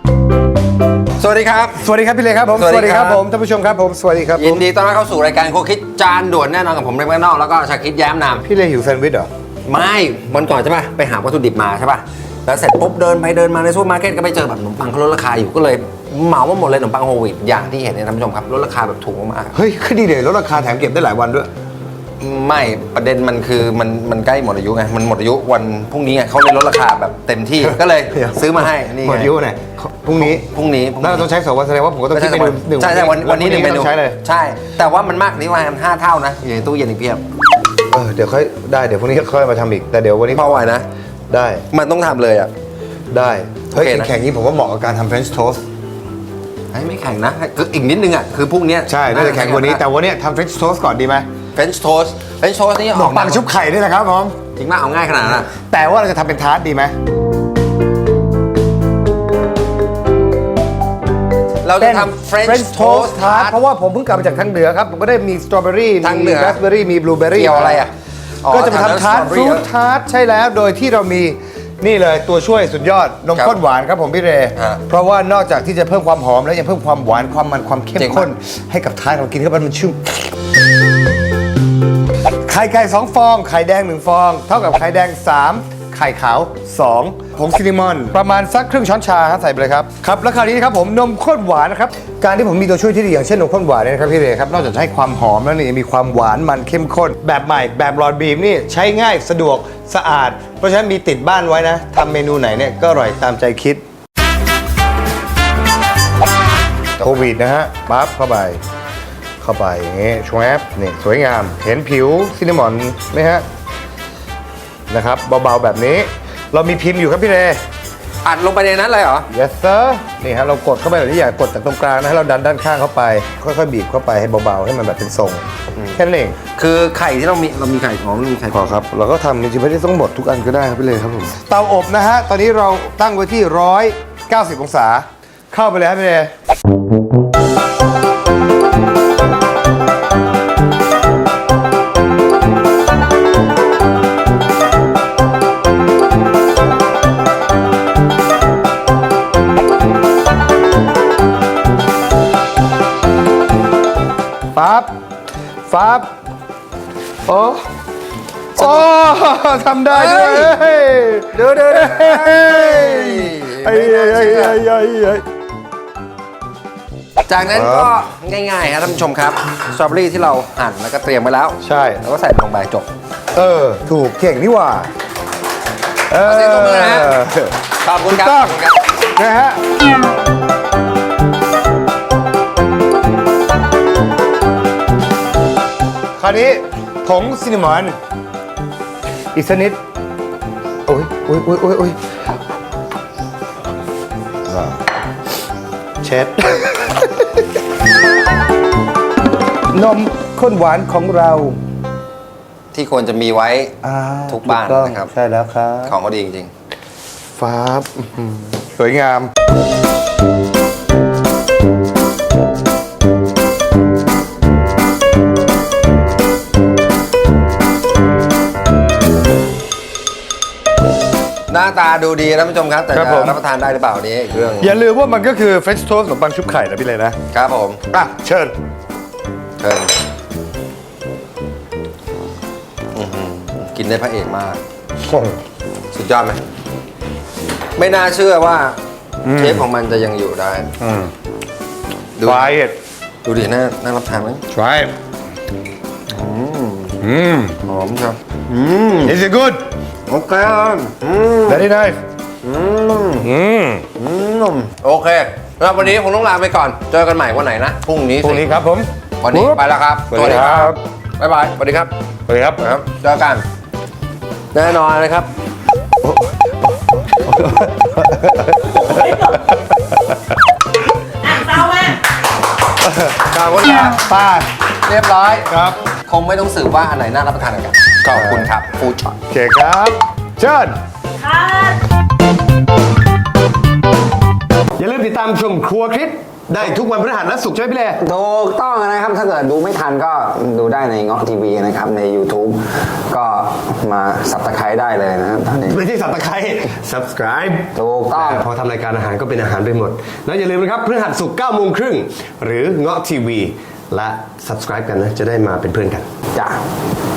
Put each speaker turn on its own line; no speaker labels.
สวัสดีครับ
สวัสดีครับพี่เลครับผม
สวัสดีครับ
ผมท่านผู้ชมครับผมสวัสดีครับ
ยินดีต้อนรับเข้าสู่รายการโคคิดจานด่วนแน่นอนกับผมเล็กแมกนอกแล้วก็ชาคิดแย้มนาม
พี่เลหิวแซนด์วิชเหรอ
ไม่วันก่อนใช่ป่ะไปหาวัตถุดิบมาใช่ป่ะแล้วเสร็จปุ๊บเดินไปเดินมาในซูเปอร์มาร์เก็ตก็ไปเจอแบบขนมปังเขาลดราคาอยู่ก็เลยเหมามาหมดเลยขนมปังโฮลวีตอย่างที่เห็นเนี่ยท่านผู้ชมครับลดราคาแบบถูกมาก
เฮ้ยคือดีเลยลดราคาแถมเก็บได้หลายวันด้วย
ๆไม่ประเด็นมันคือมันใกล้หมดอายุไงมันหมดอายุวันพรุ่งนี้ไงเขาเลยลดราคาแบบเต็มที่ก็เลย
เดี๋ยว
ซื้อมาให้นี่
หมด
ไง
อายุไหนพรุ่งนี้
พรุ่งนี้
น่าจะต้องใช้2 วันแสดงว่าผมก็ต้อง
ไม่
คิด
ใช่
เมนูหนึ่ง
ใช่วันนี้หนึ่งเมนู
ต้องใช้เลย
ใช่แต่ว่ามันมากกว่านี้ว่ามัน5 เท่านะอยู่ในตู้เย็นอีกเพียบ
เดี๋ยวค่อยได้เดี๋ยวพรุ่งนี้ค่อยมาทำอีกแต่เดี๋ยววันนี้
พอไหวนะ
ได้
มันต้องทำเลยอ่ะ
ได้เฮ้ย
โอเคนะ
แข่งนี้ผมว่าเหมาะกับการทำ French toast
ไม่แข่งนะคืออีกนิดนึงอ่ะคือพรุ่งนี้
ใช่น่าจะแข่งกว่านี้แต่วันนี้ทำ French toast ก่อนดีไหม
French toast นี่
ขนมปังชุบไข่นี่แหละครับผม
จริงมากเอาง่ายขนาดนั้นอะ
แต่ว่าเราจะทำเป็นทาร์ตดีไหม
เราจะทำ French toast
ทาร์ต
tart
เพราะว่าผมเพิ่งกลับมาจากทางเหนือครับผมก็ได้มีสตรอเบอรี่
ทางเหนื
มี
อ
ราสเบอรี่มีบลูเบอรี่
เกี่ยวอะไรอ่ะ
ก็จะมาทำทาร์ตฟรุตทาร์ตใช่แล้วโดยที่เรามีนี่เลยตัวช่วยสุดยอดนมข้นหวานครับผมพี่เรเพราะว่านอกจากที่จะเพิ่มความหอมแล้วยังเพิ่มความหวานความมันความเข้มข้นให้กับทาร์ตเรากินเข้าไปมันชุ่มไข่ไก่2 ฟองไข่แดง1 ฟองเท่ากับไข่แดง3ไข่ขาว2ผงซินนามอนประมาณสักครึ่งช้อนชาครับใส่ไปเลยครับครับแล้วคราวนี้นะครับผมนมข้นหวานนะครับการที่ผมมีตัวช่วยที่ดีอย่างเช่นนมข้นหวานเนี่ยนะครับพี่เรครับนอกจากจะให้ความหอมแล้วนี่ยังมีความหวานมันเข้มข้นแบบใหม่แบบหลอดบีมนี่ใช้ง่ายสะดวกสะอาดเพราะฉะนั้นมีติดบ้านไว้นะทำเมนูไหนเนี่ยก็อร่อยตามใจคิดโควิดนะฮะปั๊บเข้าไปอย่างงี้ชวบนี่สวยงามเห็นผิวซินนามอนไหมฮะนะครับเบาๆแบบนี้เรามีพิมพ์อยู่ครับพี่เร
อัดลงไปในนั้นเลยเหรอ
yes sir นี่ฮะเรากดเข้าไปแบบที่อยากกดจากตรงกลางนะให้เราดันด้านข้างเข้าไปค่อยๆบีบเข้าไปให้เบาๆให้มันแบบเป็นทรงแค่นั้นเอง
คือไข่ที่เรามีไข่ของมีไข่
พอครับเราก็ทำจริงๆไม่ได้ต้องหมดทุกอันก็ได้ครับพี่เรครับผมเตาอบนะฮะตอนนี้เราตั้งไว้ที่190 องศาเข้าไปเลยครับพี่เรปั๊บโอ้ทำได้ด้วย
เดี๋ยวจากนั้นก็ง่ายๆครับท่านผู้ชมครับสตรอเบอรี่ที่เราหั่นแล้วก็เตรียมไว้แล้ว
ใช่
แล้วก็ใส่ลงไปจบ
ถูกเก่งนี่หว่า
เสียงตบมือนะฮะ ขอบคุณครับ
ต้องนะฮะคราวนี้ผงซินนามอนอีกสักนิดโอ้ยเช็ด นมข้นหวานของเรา
ที่ควรจะมีไว้ทุกบ้าน
ถูต้อง
นะครับ
ใช่แล้วครับ
ของเขาดีจริง
ฟ้าบสวยงาม
หน้าตาดูดีท่านผู้ชมครับแต่จะรับประทานได้หรือเปล่านี้อีกเรื่อง
อย่าลืมว่ามันก็คือ French toast ขนมปังชุบไข่นะพี่เลยนะครับ
ผม
เชิญ
กินได้พระเอกมาก สุดยอดไหมไม่น่าเชื่อว่าเชฟของมันจะยังอยู่ได้ดู
try it
ดูดิน่ารับทานไหม
try it
หอมครับ
is it good
โอเค
very nice
โอเคแล้ววันนี้คงต้องลาไปก่อนเจอกันใหม่วันไหนนะพรุ่งนี้
พรุ่งนี้ครับผม
วันนี้ไปแล้วครับ
สวัสดีครับ
บ๊ายบายสวัสดีครับ
สวัสดีครับ
ครับเจอกันแน่นอนเลยครับ
เศร้ามาก
ขอบคุณครับ
ป้า
เรียบร้อย
ครับ
คงไม่ต้องสืบว่าอันไหนน่ารับประทานกันขอบคุณครับฟู้ดช็อต
โอเคครับเชิญ
ค่ะ
อย่าลืมติดดตามชมครัวคริสได้ทุกวันพฤหัสและศุกร์ใช่ไหมพี่เล่
ถูกต้องนะครับ ถ้าเกิดดูไม่ทันก็ดูได้ในเงาะทีวีนะครับใน YouTube ก็มาสับตะไคร้ได้เลยนะครับตอนนี้
ไม่ใช่สับตะไคร้ subscribe
ถูกต้อง
พอทำรายการอาหารก็เป็นอาหารไปหมด แล้วอย่าลืมนะครับพฤหัสศุกร์9 โมงครึ่งหรือเงาะทีวีและ subscribe กันนะจะได้มาเป็นเพื่อนกัน
จ้ะ